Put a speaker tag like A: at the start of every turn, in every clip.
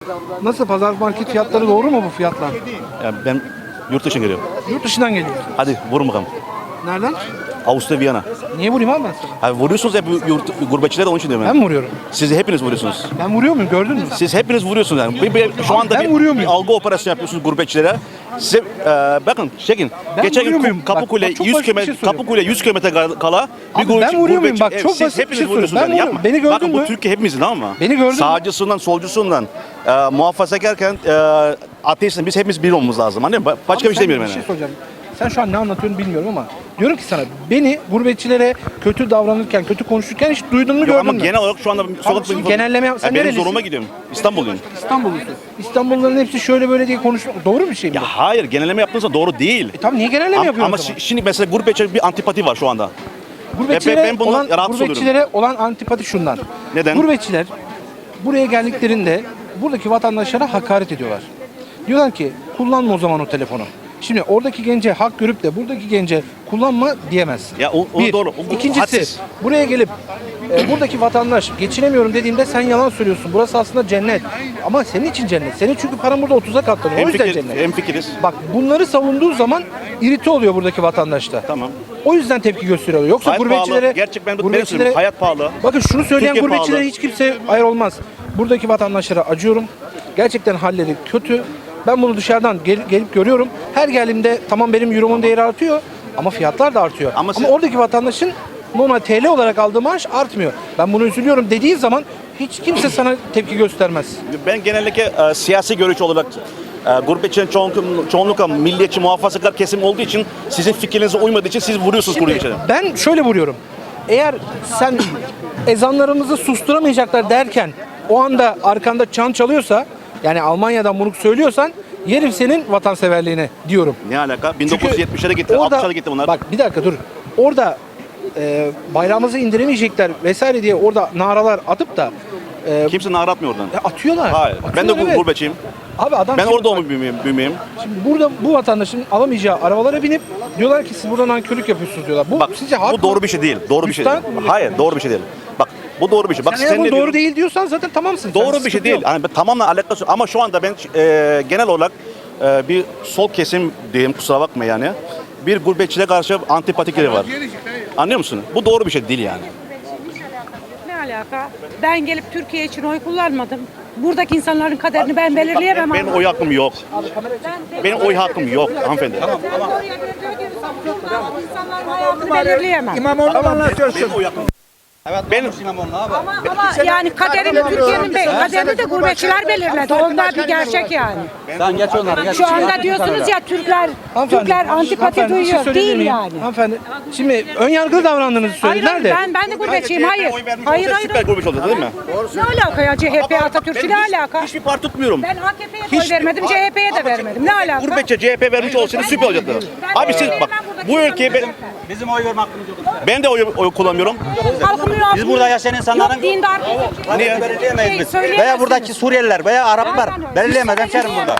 A: Nasıl pazar market fiyatları doğru mu bu fiyatlar?
B: Yani ben yurt dışına geliyorum.
A: Yurt dışından geliyor.
B: Hadi vurun bakalım.
A: Nereden?
B: Avusturya, Viyana.
A: Niye vurayım abi ben sana?
B: Abi vuruyorsunuz hep gurbetçilere, onun için diyorum
A: Ben
B: ben.
A: mi vuruyorum?
B: Siz hepiniz vuruyorsunuz.
A: Ben vuruyor muyum gördün mü?
B: Siz hepiniz vuruyorsunuz yani. Şu anda
A: Ben vuruyor muyum?
B: algı operasyonu yapıyorsunuz gurbetçilere. Size bakın çekin.
A: Ben
B: Geçen
A: vuruyor muyum?
B: gün Kapıkule
A: Bak, çok
B: 100
A: basit bir
B: km
A: şey soruyorum.
B: Kapıkule 100 kilometre kala
A: Abi ben vuruyor muyum? Bak, çok
B: siz
A: basit bir
B: hepiniz
A: şey soruyorum.
B: vuruyorsunuz
A: Ben
B: yani.
A: vuruyorum.
B: Yapma.
A: Beni gördün
B: bakın,
A: mü?
B: bu Türkiye hepimizin ama.
A: Beni gördün mü?
B: Sağcısından, solcusundan, muhafazakarken ateistin biz hepimiz bir olmamız lazım. Anladın mı? Başka
A: Abi
B: bir şey demiyorum
A: Bir
B: yani.
A: şey soracağım. Sen şu an ne anlatıyorsun bilmiyorum ama diyorum ki sana beni gurbetçilere kötü davranırken, kötü konuşurken hiç duydun mu
B: Yok,
A: gördün
B: ama
A: mü?
B: genel olarak şu anda sokak
A: şimdi genelleme yap- sen
B: benim
A: nerelisin?
B: zoruma gidiyorum. İstanbulluyum.
A: İstanbullusun. İstanbulluların hepsi şöyle böyle diye konuşuyor. Doğru bir şey mi?
B: Ya hayır, genelleme yaptığınızda doğru değil.
A: Tamam niye genelleme yapıyorsun
B: Ama
A: o zaman?
B: şimdi mesela gurbetçi bir antipati var şu anda.
A: Gurbetçilere,
B: ben bundan rahatsız
A: gurbetçilere olan antipati şundan.
B: Neden?
A: Gurbetçiler buraya geldiklerinde buradaki vatandaşlara hakaret ediyorlar. Diyorlar ki kullanma o zaman o telefonu. Şimdi oradaki gence hak görüp de buradaki gence kullanma diyemezsin.
B: Ya o
A: Bir.
B: doğru. O
A: İkincisi
B: hadsiz.
A: buraya gelip buradaki vatandaş geçinemiyorum dediğinde sen yalan söylüyorsun. Burası aslında cennet. Ama senin için cennet. Senin çünkü paran burada 30'a katlanıyor. O yüzden cennet.
B: Hemfikiriz.
A: Bak bunları savunduğu zaman irite oluyor buradaki vatandaşta.
B: Tamam.
A: O yüzden tepki gösteriyor. Yoksa
B: Hayat
A: gurbetçilere...
B: pahalı. Gerçekten ben söyleyeyim. Hayat pahalı.
A: Bakın şunu söyleyen
B: Türkiye
A: gurbetçilere
B: pahalı.
A: hiç kimse hayır olmaz. Buradaki vatandaşlara acıyorum. Gerçekten halleri kötü. Ben bunu dışarıdan gelip görüyorum. Her geldiğimde tamam benim euromun değeri artıyor ama fiyatlar da artıyor.
B: Ama
A: Ama oradaki vatandaşın normal TL olarak aldığı maaş artmıyor. Ben bunu üzülüyorum dediğin zaman hiç kimse sana tepki göstermez.
B: Ben genellikle siyasi görüş olarak gurbetçinin çoğunlukla milliyetçi, muhafazakar kesim olduğu için sizin fikrinize uymadığı için siz vuruyorsunuz gurbetçilere.
A: Ben şöyle vuruyorum. Eğer sen ezanlarımızı susturamayacaklar derken o anda arkanda çan çalıyorsa yani Almanya'dan bunu söylüyorsan yerim senin vatanseverliğine diyorum.
B: Ne alaka?
A: Çünkü
B: 1970'lere gitti,
A: orada-
B: 60'lara gitti bunlar.
A: Bak bir dakika dur. Orada bayrağımızı indiremeyecekler vesaire diye orada naralar atıp da
B: Kimse nara atmıyor oradan.
A: atıyorlar.
B: Hayır. Ben de
A: Atıyorlar, evet.
B: gurbetçiyim.
A: Abi adam
B: Ben
A: şimdi
B: orada
A: bak,
B: büyümeyeyim.
A: şimdi burada bu vatandaşın alamayacağı arabalara binip diyorlar ki siz burada nankörlük yapıyorsunuz diyorlar. Bu
B: Bak
A: sizce haklı
B: bu doğru bir şey değil. Doğru bir şey değil.
A: Üstten-
B: Hayır, doğru bir şey değil. Bak bu doğru bir şey. Bak
A: Sen eğer bu
B: ne
A: doğru
B: diyorum?
A: değil diyorsan zaten tamamsın.
B: Doğru
A: Sen
B: bir şey
A: sıkıntı
B: değil.
A: yok.
B: Yani tamamen alakası yok. Ama şu anda ben genel olarak bir sol kesim diyeyim, kusura bakma yani. Bir gurbetçilere karşı antipatikleri var. Anlıyor musun? Bu doğru bir şey değil yani.
C: Ne alaka? Ben gelip Türkiye için oy kullanmadım. Buradaki insanların kaderini ben belirleyemem.
B: Benim oy hakkım yok. Benim oy hakkım yok hanımefendi.
C: İnsanların hayatını belirleyemem.
D: İmamoğlu'nu anlatıyorsun.
B: Benim oy hakkım benim
C: Ama yani kaderini Türkiye'nin kaderini de gurbetçiler belirledi. Onlar bir gerçek yani.
D: Sen geç onları geç.
C: Şu anda diyorsunuz ya Türkler antipati
A: hanımefendi, bir şey
C: duyuyor.
A: söyleyebilir
C: Değil
A: miyim?
C: yani.
A: Hanımefendi şimdi ön yargılı davrandığınızı
C: Hayır,
A: söylediler de.
C: ben de gurbetçiyim. Hayır.
B: oy vermiş
C: Hayır,
B: olsa
C: hayır.
B: süper gurbetçi olacak değil mi?
C: Ne alaka ya CHP Atatürk'ü ne alaka?
B: Hiçbir parti tutmuyorum.
C: Ben AKP'ye de oy vermedim, CHP'ye de vermedim. Ne alaka?
B: Gurbetçi CHP vermiş olsaydı süper olacaktı. Abi siz bak bu ülkeye
D: Bizim oy verme hakkımız yok.
B: ben de oy kullanmıyorum.
D: Biz burada yaşayan insanların
C: Yok, dindar.
D: niye belirleyemeyiz biz?
C: Söyleyemezsiniz.
D: Veya buradaki Suriyeliler veya Araplar
C: Aynen öyle.
D: belirleyemez hemşerim burada.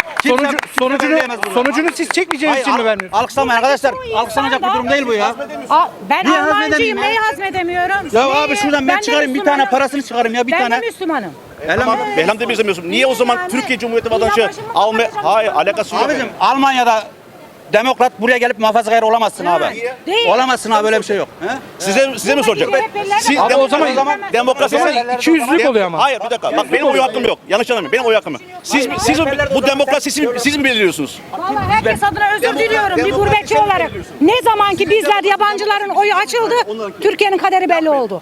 A: Sonucunu siz çekmeyeceğiniz için mi vermiyorsunuz?
D: Alkışlamayın arkadaşlar. Alkışlanacak bir durum değil bu ya.
C: Ben
D: Niye
C: Almancıyım,
D: hazmedemeyim ya?
C: neyi hazmedemiyorum?
D: Ya
C: Neyi?
D: abi şuradan ben
C: de
D: çıkarayım bir tane
C: Müslümanım.
D: parasını çıkarayım ya bir
C: Ben
D: tane.
C: de Müslümanım.
B: Behlem de izlemiyorsun. Niye o zaman
C: Yani
B: Türkiye Cumhuriyeti
C: dünya
B: vatandaşı
C: başımız
B: alma?
C: vatandaşı
B: Hayır
C: olmaz.
B: alakası yok.
D: Abicim Almanya'da demokrat buraya gelip muhafazakar olamazsın abi.
C: Değil.
D: Olamazsın abi öyle bir şey yok. He?
B: Size mi soracak? Siz
A: Abi o zaman
B: demokrasi
A: iki yüzlük oluyor ama.
B: Hayır bir dakika. Bak benim oy hakkım yok. Yanlış anlamayın. Benim oy hakkım yok. Siz bu demokrasi siz mi belirliyorsunuz?
C: Vallahi herkes adına özür diliyorum bir gurbetçi olarak. Ne zaman ki bizler yabancıların oyu açıldı, Türkiye'nin kaderi belli oldu.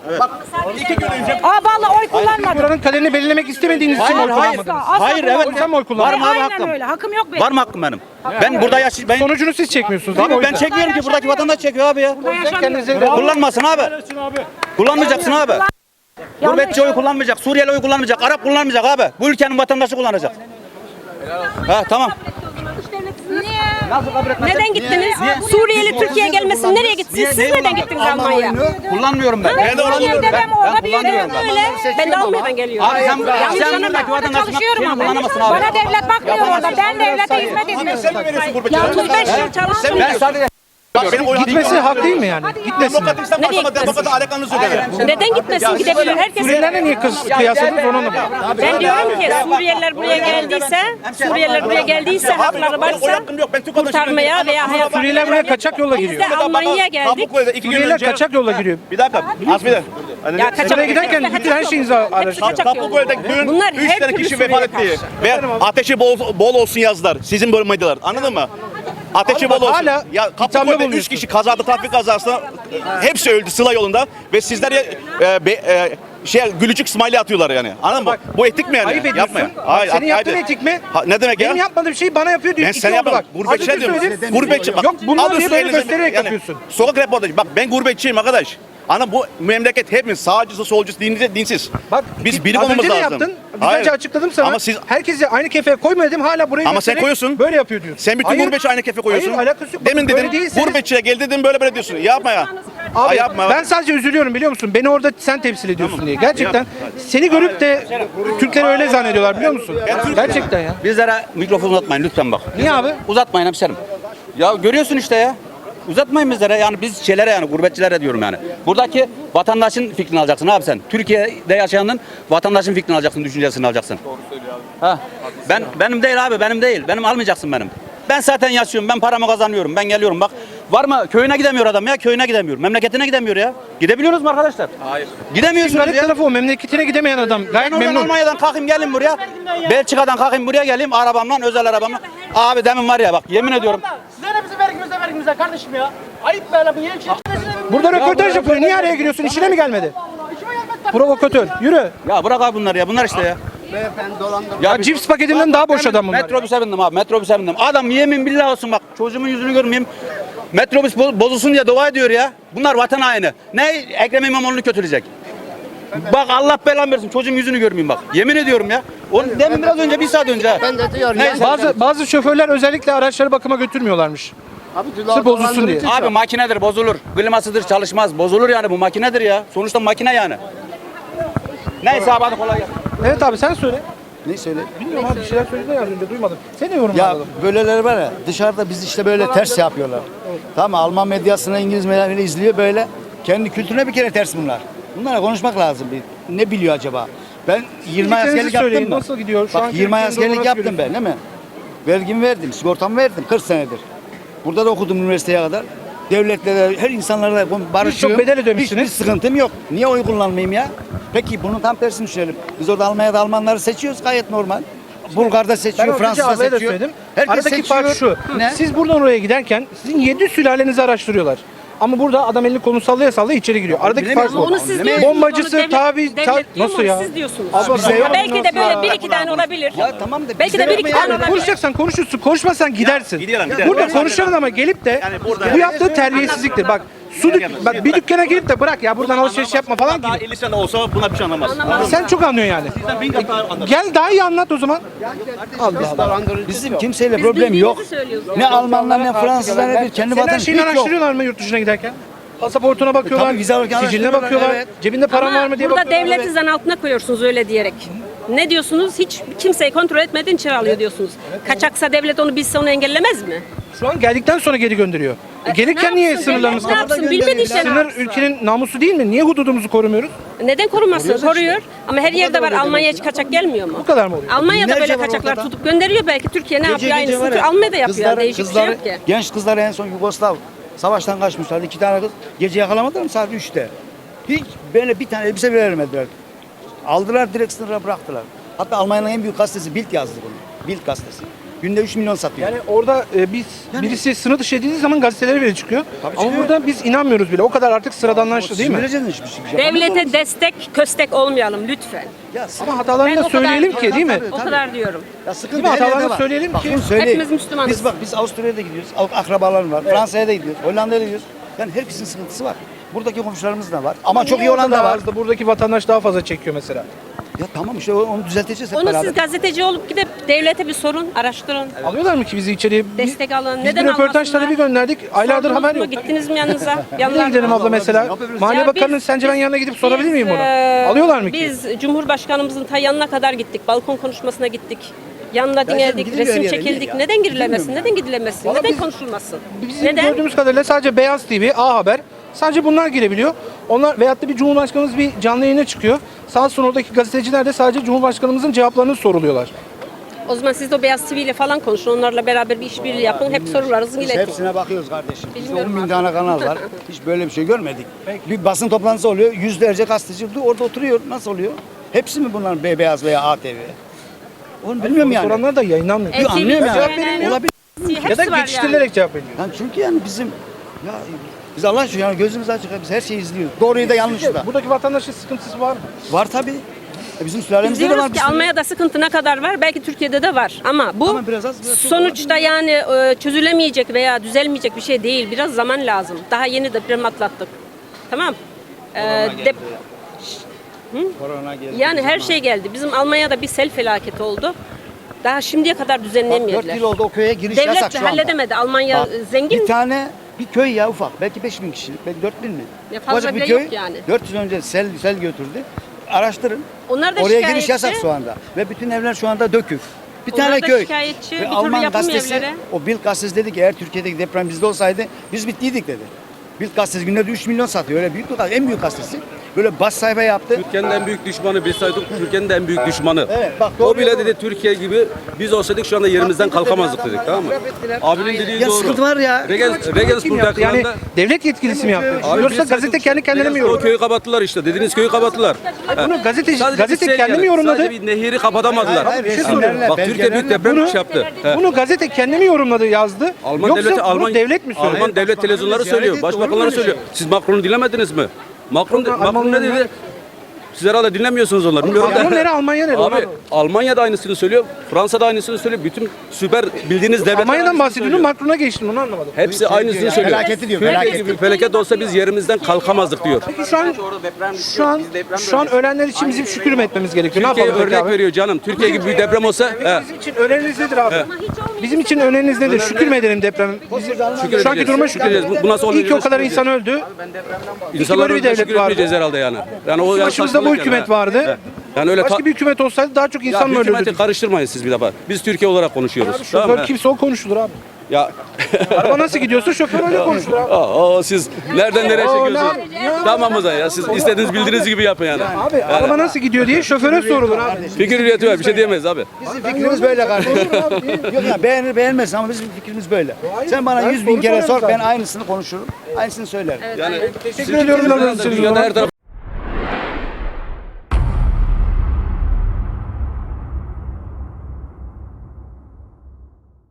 C: Vallahi oy kullanmadım.
A: Buranın kaderini belirlemek istemediğiniz için
D: Hayır,
A: oy
D: hayır.
A: kullanmadınız.
D: Hayır, evet.
A: O yüzden mi oy kullandınız?
D: Var mı abi
C: Aynen
D: hakkım?
C: öyle. Hakkım yok benim.
D: Var mı hakkım benim? Ben burada ben
A: Sonucunu siz çekmiyorsunuz değil mi?
D: Abi
A: O
D: ben
A: yüzden?
D: çekmiyorum ki buradaki vatandaş çekiyor abi ya.
A: Kendinize
D: Kullanmasın abi. Kullanmayacaksın abi. Gurbetçi oy kullanmayacak, Suriyeli oy kullanmayacak, Arap kullanmayacak abi. Bu ülkenin vatandaşı kullanacak. Ha tamam.
C: Niye?
E: Neden gittiniz? Suriyeli Türkiye'ye gelmesin. Nereye gittiniz? Siz neden gittiniz Almanya'ya?
D: Kullanmıyorum ben.
B: Ben de
C: Almanya'da ben orada büyüdüm.
E: Öyle. Ben de Almanya'dan geliyorum.
D: Abi sen buradaki
C: Orada
D: vatandaşın
C: çalışıyorum
D: şeyini
C: ama.
D: kullanamazsın abi.
C: Bana devlet bakmıyor orada. Ben devlete hizmet ediyorum.
B: Sen mi veriyorsun gurbetçilere?
E: 35 yıl çalıştım.
D: Ben sadece
B: Bak benim oy hakkım
A: Gitmesi
B: var.
A: hak değil mi yani? Gitmesin.
B: Demokratikten
E: Nereye
B: başlama,
E: gitmesin?
B: demokrata alakanız yok yani.
E: Neden gitmesin? Gidebilir herkes.
A: Suriyelilerle niye kıyasladınız onu anlamadım.
E: Ben diyorum ki Suriyeliler buraya geldiyse hakları
B: Oy
E: varsa
B: hakkım yok. Ben Türk vatandaşıyım.
E: kurtarmaya veya hayat.
A: Suriyeliler buraya kaçak yolla
E: Biz
A: giriyor.
E: de Almanya'ya geldik.
A: Suriyeliler kaçak yolla giriyor.
B: Bir dakika. Az bir de.
E: Ya kaçak
A: Buraya giderken bütün her şeyinizi araştırıyor.
E: kaçak yolu.
B: Kapıköy'de dün
E: Bunlar
B: 3
E: her
B: tane
E: türlü
B: kişi
E: Suriye'ye
B: vefat etti.
E: karşı.
B: Ve ateşi bol olsun yazdılar. Sizin böyle medyalar. Anladın mı? Ateşi
A: Abi
B: bol
A: bak,
B: olsun.
A: hala
B: Ya
A: ithamda
B: Kapıköy'de 3
A: bulunuyorsun.
B: kişi kazada, trafik kazasında hepsi öldü Sıla yolunda ve sizler gülücük smiley atıyorlar yani. Anladın mı? Bu etik mi yani?
A: Ayıp ediyorsun.
B: Yapma.
A: Bak, senin yaptığın etik mi?
B: Ne demek ya?
A: Benim yapmadığım şeyi bana yapıyor diyor.
B: Ben
A: İki
B: sen
A: oldu
B: yapma.
A: bak.
B: Gurbetçi
A: Az önce
B: diyorum.
A: söyledim.
B: Gurbetçi bak.
A: Yok bunlar
B: alıyorsun
A: diye böyle
B: elinize-
A: göstererek
B: yani
A: yapıyorsun.
B: Sokak röportajı. Bak ben gurbetçiyim arkadaş. Ana bu memleket hepimiz sağcısı, solcusu, dinsiz.
A: Bak
B: Biz birlik
A: az
B: olmamız
A: önce ne
B: lazım.
A: yaptın? Biz
B: Hayır.
A: önce açıkladım sana.
B: Ama siz
A: Herkesi aynı kefeye koyma dedim hala buraya
B: Ama sen
A: göstererek
B: koyuyorsun.
A: Böyle yapıyor diyorsun.
B: Sen bütün
A: Hayır.
B: gurbetçi aynı kefe koyuyorsun.
A: Hayır alakası yok.
B: Demin
A: Böyle
B: dedin
A: değilseniz-
B: gurbetçiye gel dedim böyle diyorsun. Yapma ya.
A: Abi
B: yapma.
A: ben sadece üzülüyorum biliyor musun? Beni orada sen temsil ediyorsun diye. Gerçekten seni görüp de Türkleri öyle zannediyorlar biliyor musun? Gerçekten ya.
D: Bizlere mikrofon uzatmayın lütfen bak.
A: Niye abi?
D: Uzatmayın hemşerim. Ya görüyorsun işte ya. Uzatmayın bizlere yani biz şeylere yani gurbetçilere diyorum yani. Buradaki vatandaşın fikrini alacaksın abi sen. Türkiye'de yaşayanın vatandaşın fikrini alacaksın, düşüncesini alacaksın. Doğru söylüyor abi. Benim değil abi, benim değil. Benim almayacaksın benim. Ben zaten yaşıyorum, ben paramı kazanıyorum, ben geliyorum bak. Var mı? Köyüne gidemiyor adam ya, köyüne gidemiyor. Memleketine gidemiyor ya. Gidebiliyoruz mu arkadaşlar? Hayır. Gidemiyorsunuz
A: Garip
D: ya.
A: tarafı o memleketine gidemeyen adam.
D: Ben
A: Gayet
D: oradan
A: memnun.
D: Almanya'dan kalkayım gelin buraya. Belçika'dan kalkayım buraya geleyim arabamla, özel arabamla. Abi demin var ya bak yemin ediyorum.
F: Size ne bizim vergimize kardeşim ya. Ayıp böyle bu yeni şey.
A: Burada röportaj yapıyor. Niye araya giriyorsun? İşine mi gelmedi? Provokatör. Yürü.
D: Ya bırak abi bunları ya. Bunlar işte ya.
A: Ya cips paketinden daha boş adam bunlar.
D: Metrobüse bindim abi. Metrobüse bindim. Adam yemin billah olsun bak. Çocuğumun yüzünü görmeyeyim. Metrobüs bozulsun diye dua ediyor ya. Bunlar vatan haini. Ne Ekrem İmamoğlu'nu kötüleyecek? Bak Allah belamı versin. Çocuğun yüzünü görmeyeyim bak. Yemin ediyorum ya. Onu demin biraz önce bir saat önce. ha.
F: Ben de diyorum
D: Neyse.
A: Bazı şoförler özellikle araçları bakıma götürmüyorlarmış. Sırf bozulsun diye.
D: Abi makinedir bozulur. Klimasıdır çalışmaz. Bozulur yani bu makinedir ya. Sonuçta makine yani. Neyse abi hadi kolay gelsin.
A: Evet abi sen söyle.
G: Ne söyle?
A: Bilmiyorum abi bir şeyler söyledi ya az önce duymadım. Seni yorumla
G: Ya
A: alalım.
G: böyleleri var ya dışarıda biz işte böyle ters yapıyorlar. Tamam mı? Alman medyasını İngiliz medyasını izliyor böyle. Kendi kültürüne bir kere ters bunlar. Bunlara konuşmak lazım. Ne biliyor acaba? Ben 20 ay
A: Fikirlerinizi
G: askerlik yaptım
A: söyleyin,
G: mı?
A: nasıl gidiyor? Şu
G: Bak
A: anki
G: 20 ay
A: ülkenin
G: askerlik
A: durumu
G: yaptım
A: nasıl
G: ben değil mi? Vergimi verdim, sigortamı verdim 40 senedir. Burada da okudum üniversiteye kadar. Devletle de her insanlarla barışıyorum.
A: Birçok bedel ödemişsiniz.
G: Hiçbir sıkıntım yok. Niye oy kullanmayayım ya? Peki bunun tam tersini düşünelim. Biz orada Almanya'da Almanları seçiyoruz gayet normal. Bulgar'da
A: Ben
G: seçiyor,
A: az önce
G: Fransa'da
A: ablaya da
G: seçiyor.
A: söyledim.
G: Herkes
A: Aradaki
G: seçiyor.
A: fark şu.
G: Ne?
A: Siz buradan oraya giderken sizin 7 sülalenizi araştırıyorlar. Ama burada adam elini kolunu sallaya sallaya içeri giriyor. Aradaki fark bu.
E: Onu siz diyorsunuz.
A: Bombacısı,
E: onu devlet diyor
A: nasıl
E: mu?
A: ya?
E: Siz diyorsunuz.
A: Abla, bize yok.
E: Belki de böyle bir iki tane olabilir.
G: Ya tamam da
E: Belki
G: bizde
E: de bir
G: yok
E: iki
G: mu
E: tane
G: ya?
E: olabilir.
A: Konuşacaksan konuşursun, konuşmazsan gidersin.
B: gidelim.
A: Burada konuşalım ama gelip de bu yaptığı terbiyesizliktir. Bak bak bir dükkana girip de bırak ya buradan alışveriş yapma falan
B: Daha
A: gibi.
B: 50 sene olsa buna bir şey anlamaz.
A: Sen çok anlıyorsun yani. Gel daha iyi anlat o zaman.
G: Bizim kimseyle
E: Biz
G: problem yok.
E: bildiğimizi söylüyoruz.
G: Ne Almanlar ne Fransızlar ne bir kendi
A: Senin her
G: vatanı
A: şeyini
G: hiç yok.
A: araştırıyorlar mı yurt dışına giderken? Pasaportuna bakıyorlar,
G: Tabii vize alırken
A: siciline
G: araştırıyorlar,
A: bakıyorlar,
G: evet.
A: cebinde paran
E: Ama
A: var mı diye
E: burada
A: bakıyorlar.
E: devleti zan altına koyuyorsunuz öyle diyerek. Ne diyorsunuz? Hiç kimseyi kontrol etmeden içeri alıyor diyorsunuz. Kaçaksa devlet onu bilse onu engellemez mi?
A: Şu an geldikten sonra geri gönderiyor. Gelirken
E: Ne
A: niye
E: yapsın?
A: sınırlarımız
E: Devlet ne
A: kapalı?
E: yapsın? Bilmediği şey ne
A: Sınır
E: yapsın?
A: ülkenin namusu değil mi? Niye hududumuzu korumuyoruz?
E: Neden korumasın? Koruyor. Ama her yerde var. Almanya'ya hiç kaçak gelmiyor mu?
A: Bu kadar mı oluyor?
E: Almanya'da
G: Binlerce
E: böyle
G: var
E: kaçaklar
G: ortada.
E: tutup gönderiyor belki. Türkiye ne
G: Gece
E: yapıyor
G: gece var
E: aynısını?
G: ya,
E: Almanya'da yapıyor. Yani değişik bir şey yok ki.
G: Genç kızlar en son Yugoslav savaştan kaçmışlardı. 2 tane kız gece yakalamadılar mı saat 3'te? Hiç böyle bir tane elbise bile vermediler. Aldılar direkt sınıra bıraktılar. Hatta Almanya'nın en büyük gazetesi Bild yazdı bunu. Bild gazetesi. Günde 3 milyon satıyor.
A: Yani orada birisi sınır dışı edildiği zaman gazetelere bile çıkıyor. Ama
G: çıkıyor.
A: burada biz inanmıyoruz bile. O kadar artık sıradanlaştı değil mi?
G: Sinirleneceksin hiçbir şey yapamaz
E: Devlete
G: mısın?
E: destek, köstek olmayalım lütfen.
G: Ya,
A: Ama hatalarını da
E: Ben o kadar-
A: söyleyelim ki değil mi?
E: O kadar diyorum.
G: ya sıkıntı
A: Değil mi?
G: her yerde
A: Hatalarını
G: var.
A: söyleyelim
G: Bak,
A: ki
G: bunu söyleyeyim.
E: hepimiz Müslümanız.
G: Biz Avusturya'ya da gidiyoruz. Akrabalarım var. Fransa'ya da gidiyoruz. Hollanda'ya da gidiyoruz. Yani herkesin sıkıntısı var. Buradaki komşularımız da var. Ama çok iyi olan da var.
A: Buradaki vatandaş daha fazla çekiyor mesela.
G: Ya tamam işte onu düzelteceğiz hep
E: Onu
G: beraber.
E: siz gazeteci olup gidip devlete bir sorun, araştırın.
A: Alıyorlar mı ki bizi içeriye?
E: Destek alın.
A: Biz
E: Neden
A: bir röportaj
E: almasınlar?
A: talebi gönderdik. Aylardır
E: Sordunuz
A: haber
E: mu?
A: yok.
E: Gittiniz mi yanınıza?
A: Nereye gidelim abla mesela? Maliye
E: Ya
A: Bakanı'nın
E: biz-
A: sence ben yanına gidip sorabilir miyim
E: Biz,
A: onu? Alıyorlar mı ki?
E: Biz Cumhurbaşkanımızın ta yanına kadar gittik. Balkon konuşmasına gittik. Yanına dinledik,
G: gidiliyor her
E: resim
G: yere,
E: çekildik.
G: niye ya?
E: Neden girilemesin?
G: Bilmiyorum
E: Neden gidilemesin?
A: Vallahi
E: Neden
A: biz-
E: konuşulmasın?
A: Bizim
E: Neden?
A: gördüğümüz kadarıyla sadece Beyaz TV, A Haber, sadece bunlar girebiliyor. Onlar veyahut da bir Cumhurbaşkanımız bir canlı yayına çıkıyor. Sağ olsun oradaki gazeteciler de sadece Cumhurbaşkanımızın cevaplarını soruluyorlar.
E: O zaman siz de o Beyaz TV ile falan konuşun. Onlarla beraber bir işbirliği yapın. Hep sorularınızı
G: Biz
E: iletin.
G: hepsine bakıyoruz kardeşim. Bizde
E: Bilmiyorum
G: 10 bin
E: abi.
G: tane kanal var. Hiç böyle bir şey görmedik. Bir basın toplantısı oluyor. Yüzlerce gazeteci orada oturuyor. Nasıl oluyor? Hepsi mi bunların beyaz veya ATV? Onu bilmiyorum yani.
A: Soranlar da yayınlanmıyor.
E: Evet,
G: Anlıyorum
E: TV,
G: yani.
E: CNN,
G: Olabilir.
A: Ya da
E: hepsi var
A: geçiştirilerek cevap veriyor.
G: Yani çünkü yani bizim ya biz Allah aşkına yani gözümüz açık. Biz her şeyi izliyoruz. Doğruyu da yanlışı da.
A: Buradaki vatandaşın sıkıntısı var mı?
G: Var tabii. Bizim
E: Biz
G: sülalemizde de var.
E: diyoruz
G: bir
E: ki
G: sürü.
E: Almanya'da sıkıntı ne kadar var? Belki Türkiye'de de var. Ama bu
G: Ama biraz az, biraz çok
E: sonuçta yani çözülemeyecek veya düzelmeyecek bir şey değil. Biraz zaman lazım. Daha yeni deprem atlattık. Tamam. Dep-
G: Korona geldi.
E: yani her şey geldi. Bizim Almanya'da bir sel felaketi oldu. Daha şimdiye kadar
G: Bak 4
E: düzenleyemediler.
G: yıl oldu o köye giriş yasak
E: Devlet de
G: şu anda.
E: halledemedi. Almanya
G: Bak,
E: zengin.
G: bir tane bir köy ya ufak. Belki 5.000 kişi. Belki 4.000 mi?
E: Ya fazla
G: Ufacık
E: bile
G: bir köy.
E: yok yani.
G: 400 önce sel götürdü. Araştırın.
E: Onlar da
G: Oraya giriş
E: şikayetçi.
G: yasak şu anda. Ve bütün evler şu anda dökük. Bir
E: Onlar
G: tane
E: da
G: köy.
E: şikayetçi.
G: Ve
E: Bir türlü
G: Alman
E: yapılmıyor
G: gazetesi,
E: evlere.
G: o Bild gazetesi dedi ki eğer Türkiye'deki deprem bizde olsaydı biz bittiydik dedi. Bild gazetesi günde 3 milyon satıyor. Öyle büyük bir gazete. En büyük gazetesi. Böyle bas sayfa yaptı.
H: Türkiye'nin en büyük düşmanı biz saydık. Türkiye'nin de en büyük düşmanı.
G: Evet, bak,
H: o
G: doğru,
H: bile
G: doğru.
H: dedi Türkiye gibi biz olsaydık şu anda yerimizden kalkamazdık dedik, tamam mı? Abinin dediği
G: Ya
H: doğru.
G: sıkıntı var ya.
H: Regensburg
A: Kim yaptı? Yani
H: yakınında
A: devlet yetkilisi mi yaptı?
H: Abi
A: Yoksa
H: biz
A: gazete
H: saydık,
A: kendi kendine mi
H: O
A: yorumladı?
H: köyü kapattılar işte. Dediğiniz köyü kapattılar.
A: Bunu gazete
H: Sadece
A: gazete
H: bir sel
A: kendi mi
H: yani.
A: yorumladı?
H: Sadece bir nehiri kapatamadılar.
G: Hayır,
A: Bir şey
G: resimlerle,
A: soruyorum.
H: Bak Türkiye büyük deprem
A: Bunu-
H: yaptı. He.
A: Bunu gazete kendi mi yorumladı, yazdı?
H: Alman
A: Yoksa
H: devleti,
A: bunu devlet mi söyledi?
H: Alman devlet televizyonları
G: ziyaret
H: söylüyor.
G: etti,
H: Başbakanları
G: olur mu
H: söylüyor.
G: öyle
H: Siz Macron'u dinlemediniz mi? Macron ne
A: Almanya'nın-
H: dedi? Siz herhalde dinlemiyorsunuz onları. Bilmiyorum.
A: Macron nere, Almanya nere?
H: Abi Almanya da aynısını söylüyor. Fransa da aynısını söylüyor. Bütün süper bildiğiniz devletler
A: Almanya'dan
H: aynısını
A: bahsediyorum,
H: söylüyor.
A: Macron'a geçtim, onu anlamadım.
H: Hepsi aynısını
G: ya,
H: söylüyor.
G: felaketi diyor,
H: Türkiye
G: felaket.
H: gibi bir felaket olsa biz yerimizden kalkamazdık diyor.
A: Peki şu an ölenler için bizim şükür mü etmemiz gerekiyor? Ne
H: Türkiye
A: yapalım peki
H: örnek
A: abi?
H: veriyor canım. Türkiye gibi bir deprem olsa
A: Bizim için öneriniz nedir abi? Bizim için öneriniz nedir? Şükür mü edelim deprem? Şu anki duruma şükür edelim.
H: Bu nasıl oluyor?
A: İyi ki o kadar insan öldü.
H: İnsanlar
A: böyle bir
H: öyle
A: devlet
H: şükür
A: vardı.
H: etmeyeceğiz herhalde yani. Yani o
A: Başımızda bu
H: saçmalık
A: hükümet
H: yani.
A: vardı.
H: He. Yani öyle
A: Başka bir hükümet olsaydı daha çok insan mı
H: hükümeti
A: ölürdü?
H: karıştırmayın siz bir defa. Biz Türkiye olarak konuşuyoruz. Tamam
A: Şoför
H: mı?
A: kimse o konuşulur abi.
H: Ya
A: Araba nasıl gidiyorsa şoför öyle konuşulur abi.
H: siz nereden nereye
A: Aa,
H: çekiyorsunuz? Tamam o zaman ya. Siz istediğiniz bildiğiniz gibi yapın yani.
A: Abi araba nasıl gidiyor diye şoföre sorulur abi.
H: Fikir hürriyeti var. Bir şey diyemeyiz abi.
G: Bizim fikrimiz böyle kardeşim. Yok ya beğenir beğenmez ama bizim fikrimiz böyle. Sen bana
A: ben
G: 100 bin
A: soru
G: kere sor
A: soruyorum
G: ben
A: zaten.
G: aynısını konuşurum. Aynısını söylerim.
H: Yani
A: Teşekkür ediyorum.
H: dünyada her taraf